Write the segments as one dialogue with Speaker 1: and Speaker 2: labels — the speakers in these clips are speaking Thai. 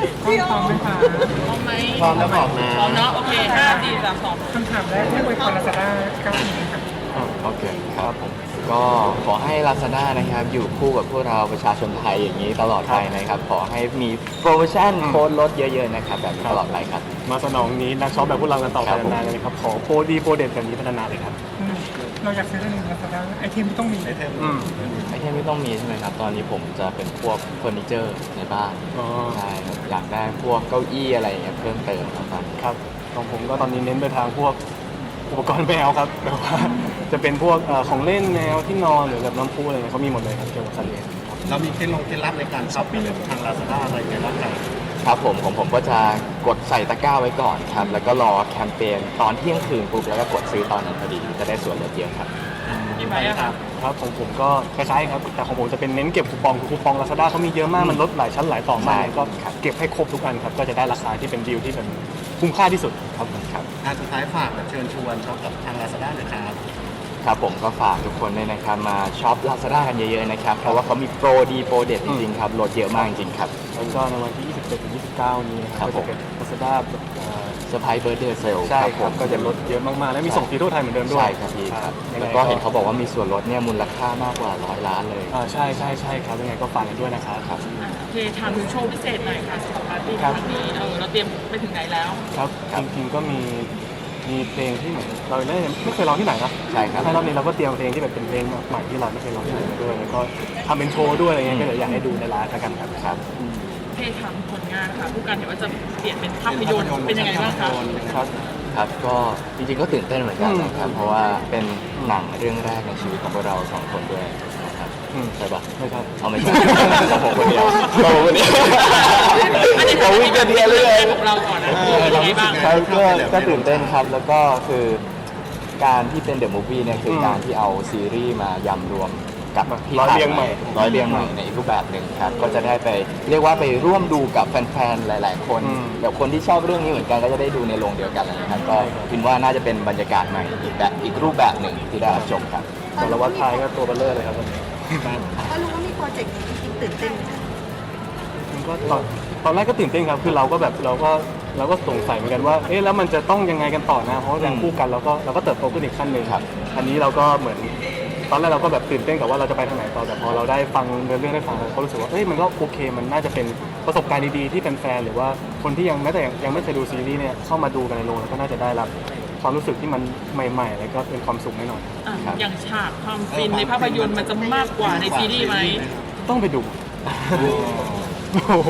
Speaker 1: พร้อมไหมคะ
Speaker 2: พร้อมไหม
Speaker 3: พร้อมแล้วบอกนะ
Speaker 2: พร้อมเนาะโอเค5 4 3 2
Speaker 1: คำถามแรกที่อวยพร Lazada 9 ปีค่ะ
Speaker 4: โอเคครับผมก็ขอให้ Lazada นะครับอยู่คู่กับพวกเราประชาชนไทยอย่างนี้ตลอดไปนะครับขอให้มีโปรโมชั่นโค้ดลดเยอะๆนะครับแบบนี้ตลอดไปครับ
Speaker 3: มาสนองนี้นักช็อปแบบพวกเรากันต่อไป
Speaker 4: ครับผม
Speaker 3: นานๆเลยนะครับขอโปรดีโปรเด็ดแบบนี้พัฒนาเลยครับ
Speaker 1: เราอยากซื้อเรื่องนึง Lazada ไอเทมที่ต้องมี
Speaker 4: ไอเทมที่ต้องมีใช่ไหมครับตอนนี้ผมจะเป็นพวกเฟอร์นิเจอร์ในบ้าน
Speaker 3: อ๋อ
Speaker 4: ใช่ครับอยากได้พวกเก้าอี้อะไรอย่างเงี้ยเพิ่มเติมครับตอนนี้
Speaker 3: ครับของผมก็ตอนนี้เน้นไปทางพวกอุปกรณ์แมวครับแบบว่าจะเป็นพวกของเล่นแมวที่นอนหรือแบบน้ำพุอะไรเงี้ยเขามีหมดเลยครับเกี่ยวกับสัตว์เลี้ยง
Speaker 5: เรามีเคล็ดลับในการช้อปปิ้งทาง Lazada อะไรอย่างเงี้ยบ้างครับ
Speaker 4: ครับผมก็จะกดใส่ตะกร้าไว้ก่อนครับแล้วก็รอแคมเปญตอนเที่ยงคืนปุ๊บแล้วก็กดซื้อตอนนั้นพอดีจะได้ส่วนลดเยอะครับ
Speaker 2: พี่ไบร์ทอะครับ
Speaker 3: ครับของผมก็คล้ายๆครับแต่ของผมจะเป็นเน้นเก็บคูปองคือคูปอง Lazada เขามีเยอะมากมันลดหลายชั้นหลายต่อมาก
Speaker 4: ใช่
Speaker 3: ก็เก็บให้ครบทุกอันครับก็จะได้ราคาที่เป็นดีลที่เป็นคุ้มค่าที่สุดครับผมครับ
Speaker 5: สุดท้ายฝากแบบเชิญชวนช็อปกับทาง Lazada หน่อยครับ
Speaker 4: ครับผมก็ฝากทุกคนด้วยนะครับมาช็อป Lazada กันเยอะๆนะครับเพราะว่าเขามีโปรดีโปรเด็ดจริงๆครับลดเยอะมากจริงๆครับ
Speaker 3: แล้วก็ในวันที่ 27 ถึง 29 นี้นะครับ
Speaker 4: ครั
Speaker 3: ก็
Speaker 4: บ
Speaker 3: จะเป็น Lazada
Speaker 4: เซอร์ไพรส์เบิร์ดเดย์เซล
Speaker 3: ใช่ครับก็จะลดเยอะมากๆ และมีส่งฟรีทั่วไทยเหมือนเดิมด้วย
Speaker 4: ใช่ครับพี่ครับ
Speaker 3: ยังไง
Speaker 4: แล้วก็เห็นเขาบอกว่ามีส่วนลดเนี่ยมูลค่ามากกว่า100 ล้านเลย
Speaker 3: ใช่ใช่ใช่ครับยังไงก็ฝากกันด้วยนะครับ
Speaker 4: ครับ
Speaker 2: โอเคถามถึงโชว์พิเศษหน่อยค่ะสำหรับปาร์ตี้ค
Speaker 3: ครั
Speaker 2: รั้
Speaker 3: บ
Speaker 2: งนี้เราเตรียมไปถึงไหนแล้ว
Speaker 3: ครับจริงๆก็มีเพลงที่เหมือนเราไม่เคยร้องที่ไหนนะ
Speaker 4: ใช่ครับ
Speaker 3: รอบนี้เราก็เตรียมเพลงที่แบบเป็นเพลงใหม่ที่เราไม่เคยร้องที่ไหนมาด้วยแล้วก็ทำเป็นโชว์ด้วยอะไรเงี้ยก็เดี๋ยวอยากให้ดูในไลฟ์แล้วกันครับ
Speaker 4: ครับ
Speaker 2: โอเคถามผลงานค่ะผู้การเห็นว่าจะเปลี่ยนเป็นภาพยนตร์เป็นยังไงบ้างคะ
Speaker 4: ครับครับก็จริงๆก็ตื่นเต้นเหมือนกันนะครับเพราะว่าเป็นหนังเรื่องแรกในชีวิตของพวกเราสองคนด้วยนะครับใช่ปะ
Speaker 3: ไม่ใช่
Speaker 4: เอาไม่ใช่ผมคนเดียวผมคนเดียว
Speaker 2: อันนี้
Speaker 4: ผมวิ่งกันเดียวเลย
Speaker 2: ของเราก่อนนะเป็นยังไงบ้าง
Speaker 4: ครับก็ตื่นเต้นครับแล้วก็คือการที่เป็นเดอะมูฟวี่เนี่ยคือการที่เอาซีรีส์มายำรวมกับที่
Speaker 3: ร้อยเรียงใหม่
Speaker 4: ร้อยเรียงใหม่ในอีกรูปแบบหนึ่งครับก็จะได้ไปเรียกว่าไปร่วมดูกับแฟนๆหลาย ๆ คนแบบคนที่ชอบเรื่องนี้เหมือนกันก็จะได้ดูในโรงเดียวกันเลยนะครับก็คิดว่าน่าจะเป็นบรรยากาศใหม่อีกรูปแบบหนึ่งที่ได้รับชมครับ
Speaker 3: สารวัตรไทยก็ตัวเบลเลอร์เลยครับวันนี้
Speaker 6: ก็รู้ว่ามีโปรเจกต์นี้จริงๆตื่นเต้นไหมคะ
Speaker 3: มันก็ตอนแรกก็ตื่นเต้นครับคือเราก็สงสัยเหมือนกันว่าเอ๊ะแล้วมันจะต้องยังไงกันต่อนะเพราะว่าอย่างคู่กันเราก็เติบโตขึ้นอีกขั้นหนึ่ง
Speaker 4: ครับ
Speaker 3: อันนี้เราก็เหมือนตอนแรกเราก็แบบตื่นเต้นกับว่าเราจะไปทางไหนต่อแต่พอเราได้ฟังเรื่องได้ฟังเราก็รู้สึกว่าเอ้ยมันก็โอเคมันน่าจะเป็นประสบการณ์ดีๆที่แฟนๆหรือว่าคนที่ยังไม่เคยดูซีรีส์เนี่ยเข้ามาดูกันในโรงแล้วก็น่าจะได้รับความรู้สึกที่มันใหม่ๆแล้วก็เป็นความสุขแน่นอน
Speaker 2: อย่างฉากความฟินในภาพยนตร์มันจะมากกว่าในซีรีส์ไหม
Speaker 3: ต้องไปดูโอ้โห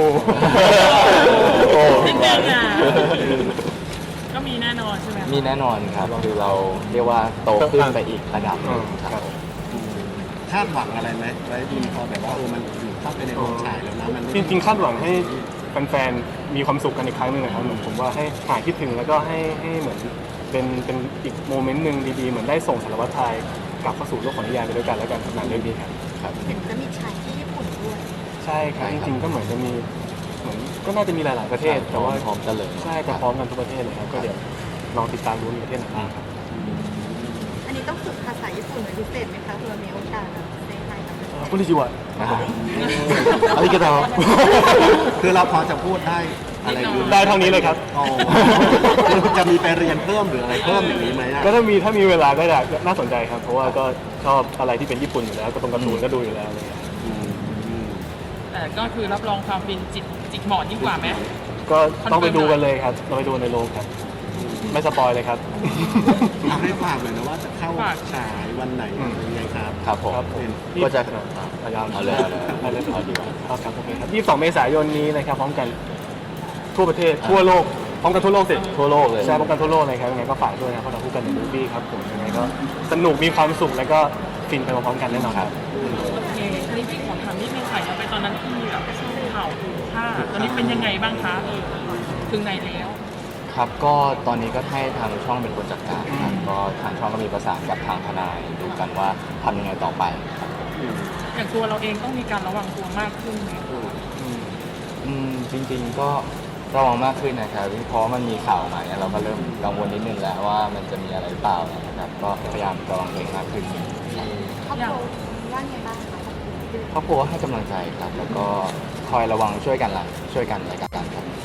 Speaker 2: นิดนึงอ่ะก็มีแน่นอนใช่ไหม
Speaker 4: มีแน่นอนครับคือเราเรียกว่าโตขึ้นไปอีกระดับหนึ่งครับ
Speaker 5: คาดหวังอะไรไหมไว้ดีพอแบบว่ามันอยู่เข้าไปในโรงฉายแล้วนะมัน
Speaker 3: จริงๆคาดหวังให้แฟนๆมีความสุขกันอีกครั้งหนึ่งนะครับเหมือนผมว่าให้หายคิดถึงแล้วก็ให้เหมือนเป็นอีกโมเมนต์หนึ่งดีๆเหมือนได้ส่งสารวัตรไทยกลับเข้าสู่โลกของนิยายไปด้วยกันแล้วกันหนังเรื่องนี้ครับ
Speaker 6: เห็นจะมีฉายที่ญี่ปุ่นด้วย
Speaker 3: ใช่ครับจริงๆก็เหมือนจะมีเหมือนก็น่าจะมีหลายๆประเทศแต่ว่า
Speaker 4: พร้อมกันเลย
Speaker 3: ใช่จะพร้อมกันทุกประเทศเลยครับก็เดี๋ยวลองติดตามดูในประเทศไหนบ้างครับ
Speaker 6: อันนี้ต้องฝึกภาษาญี่ปุ่นเป็นพิเศษไหมคะเพื่อมีโอกาสแบบในไทยแบบ
Speaker 3: คุณลิจิวะ
Speaker 4: อาริกาโต
Speaker 5: คือเราพอจะพูดได้อะไรอยู่
Speaker 3: ได้เท่านี้เลยครับ
Speaker 5: อ๋อจะมีไปเรียนเพิ่มหรืออะไรเพิ่มอย่างนี้ไหมอะ
Speaker 3: ก็ถ้ามีเวลาก็อยากน่าสนใจครับ เพราะว่าก็ชอบอะไรที่เป็นญี่ปุ่นอยู่แล้วก็ตรงการ์ตูนก็ดูอยู่แล้วอะไรอย่างเงี้ย
Speaker 2: แต่ก็คือรับรองความฟินจิกหมอนยิ่งกว่าไหม
Speaker 3: ก็ต้องไปดูกันเลยครับเราไปดูในโรงครับ ไม่สปอยเลยครับ
Speaker 5: เอาให้ฝากเลยนะว่าจะเข้าฉายวันไหนยังไงครับ
Speaker 4: ครับผม
Speaker 3: ครับผม
Speaker 4: ก็จะ
Speaker 3: เอาเลย
Speaker 4: เอาเลยเอาดีกว่า
Speaker 3: ครับโอเคครับ22 เมษายนนี้นะครับพร้อมกันทั่วประเทศทั่วโลกพร้อมกันทั่วโลกสิ
Speaker 4: ทั่วโลกเลย
Speaker 3: ใช่พร้อมกันทั่วโลกเลยครับยังไงก็ฝากด้วยนะเพราะเราคู่กันในมูฟวี่ครับผมยังไงก็สนุกมีความสุขแล้วก็ฟินไปพร้อมๆกันแน่นอนครับ
Speaker 2: โอเคอันนี้พี่ขอถามนิดนึงค่ะย้อนไปตอนนั้นที่แบบข่าวถูกฆ่าตอนนี้เป็นยังไงบ้างคะถึงไหนแล้ว
Speaker 4: ครับก็ตอนนี้ก็ให้ทางช่องเป็นคนจัดการครับก็ทางช่องก็มีประสานกับทางทนายดูกันว่าทำยังไงต่อไปครับ
Speaker 2: อย่างตัวเราเองต้องมีการระวังตัวมากขึ้นไหม
Speaker 4: จริงๆก็ระวังมากขึ้นนะครับเพราะมันมีข่าวมาเนี่ยเราก็เริ่มกังวลนิดนึงแล้วว่ามันจะมีอะไรหรือเปล่านะครับก็พยายามระวังตัวเองมากขึ้น
Speaker 6: ครอบครัวว่าไงบ้างคะ
Speaker 4: ครอบครัวให้กำลังใจครับ แล้วก็คอยระวังช่วยกันและกันครับ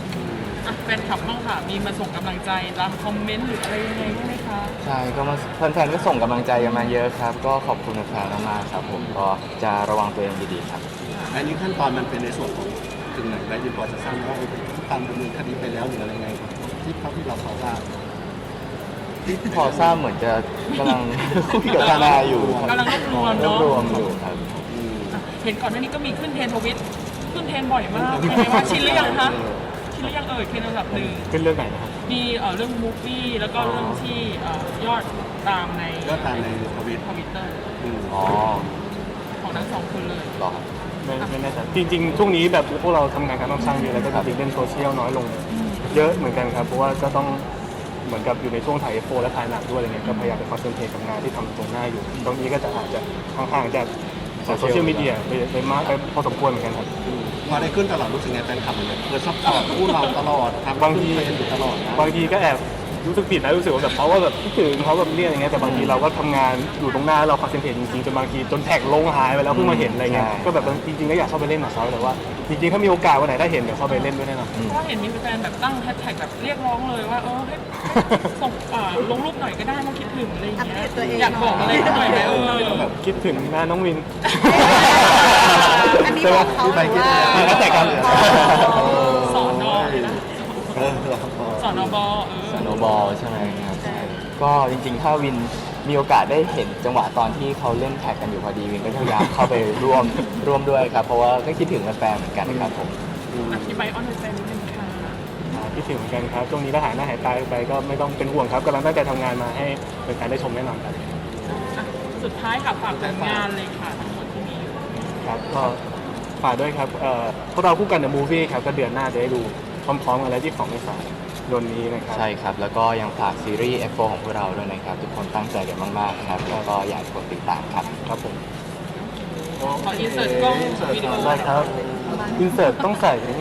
Speaker 2: อ่ะแฟนคลับบ้างค่ะ มีมาส่งกำลังใจตามคอมเมนต์หรืออะไรยังไงบ้างไหมคะ
Speaker 4: ใช่ก็มาแฟนๆก็ส่งกำลังใจกันมาเยอะครับ ก็ขอบคุณแฟนๆมากๆครับผมก็จะระวังตัวเองดีๆครับ
Speaker 5: อันนี้ขั้นตอนมันเป็นในส่วนของถึงไหนได้ยินพอจะทราบว่าตามดำเนินคดีไปแล้วหรืออะไรไงที่เท่าที่เราพอทราบ
Speaker 4: พอทราบเหมือนจะกำลัง คุยกับทนายอยู่ครับ
Speaker 2: กำลังรวบรวม
Speaker 4: รวบ
Speaker 2: เนาะ
Speaker 4: รวมอยู่ครับ
Speaker 2: อ่ะเห็นก่อนหน้านี้ก็มีขึ้นเทรนด์ทวิตขึ้นเทรนด์บ่อยมากเป็นไงว่าชินหรือยังคะชินหรือยังเทรนด์อันดับหนึ่ง
Speaker 3: ขึ้นเรื่องไหนนะครับ
Speaker 2: มีเรื่องมูฟวี่แล้วก็เรื่องที่ยอดตามใน
Speaker 5: ก็ตามในทวิต
Speaker 2: ทวิตเตอร์
Speaker 4: อ๋อ
Speaker 2: ของทั้งสองคนเลย
Speaker 4: เหรอครับ
Speaker 3: ไม่แน่ใจจริงๆช่วงนี้แบบพวกเราทำงานการต้องสร้างเยอะแล้วก็จริงๆเล่นโซเชียลน้อยลง เยอะเหมือนกันครับเพราะว่าก็ต้องเหมือนกับอยู่ในช่วงถ่ายF4และถ่ายหนักด้วยอะไรเงี้ยก็พยายามไปคอนเซนเทรตกับงานที่ทำตรงหน้าอยู่ตรงนี้ก็จะอาจจะห่างๆจากโซเชียลมีเดียไปมากไปพอสมควรเหมือนกันครับ
Speaker 5: พอได้ขึ้นตลอดรู้สึกไงแฟนคลับมันเลยซัพพอร์ตคู่เราตลอดทำ
Speaker 3: บางที
Speaker 5: เป็นอยู่ตลอดนะ
Speaker 3: บางทีก็แอบรู้สึกผิดนะรู้สึกว่าแบบเขาว่าแบบคิดถึงเขาแบบเนี่ยอย่างเงี้ยแต่บางทีเราก็ทำงานอยู่ตรงหน้าเราคอนเซนเทรตจริงๆจนบางทีจนแท็กลงหายไปแล้วเพิ่งมาเห็นอะไรเงี้ยก็แบบจริงๆก็อยากเข้าไปเล่นกับเขาแต่ว่าจริงๆถ้ามีโอกาสวันไหนได้เห็นเดี๋ยวเข้าไปเล่นด้วยแน่นอน
Speaker 2: เพราะว่าเห็นมีแฟนแบบตั้งแฮชแท็กแบบเรียกร้องเลยว่าให้ส่งลงรูปหน่อยก็ได้มาคิดถึงอะไรอย่าง
Speaker 6: อัป
Speaker 2: เงี้
Speaker 6: เดตตัวเอง
Speaker 2: อยากบอกอะไรหน่อยไหม
Speaker 3: แบบคิดถึงหน้าน้องวิน
Speaker 6: อันนี้บอกเขาหรือว่า
Speaker 3: มีแล้วแต่กัน
Speaker 2: สอนอเลยนะ
Speaker 5: เออ
Speaker 2: สอนอบ
Speaker 4: สโนบอลใช่ไหมครับก็จริงๆ ถ้าวินมีโอกาสได้เห็นจังหวะตอนที่เขาเล่นแท็กกันอยู่พอดีวินก็พยายามเข้าไปร่วมด้วยครับ เพราะว่าก็คิดถึงแฟนๆเหมือนกันครับผม
Speaker 2: อธิบายออนไลน์แฟนนิดนึงค่ะ
Speaker 3: คิดถึงเหมือนกันครับช่วงนี้ถ้าหายหน้าหายตาไปก็ไม่ต้องเป็นห่วงครับกำลังตั้งใจทำงานมาให้เป็นการได้ชมแน่นอนครับ
Speaker 2: สุดท้ายค่ะฝากผลงานเลยค่ะทั้งหมดที่มีอยู่
Speaker 3: ครับก็ฝากด้วยครับพวกเราคู่กันในมูฟวี่ครับก็เดือนหน้าจะได้ดูพร้อมๆกันแล้วที่2 เมษายนนี้นะครับ
Speaker 4: ใช่ครับ แล้วก็ยังฝากซีรีส์ F4 ของพวกเราด้วยนะครับ ทุกคนตั้งใจกันมากๆครับ แล้วก็อยากให้ทุกคนติดตามครับ
Speaker 3: ครับผม
Speaker 2: ขออินเสิร์ตกล้องวิดีโอ
Speaker 3: ได้ครับอินเสิร์ตต้องใส่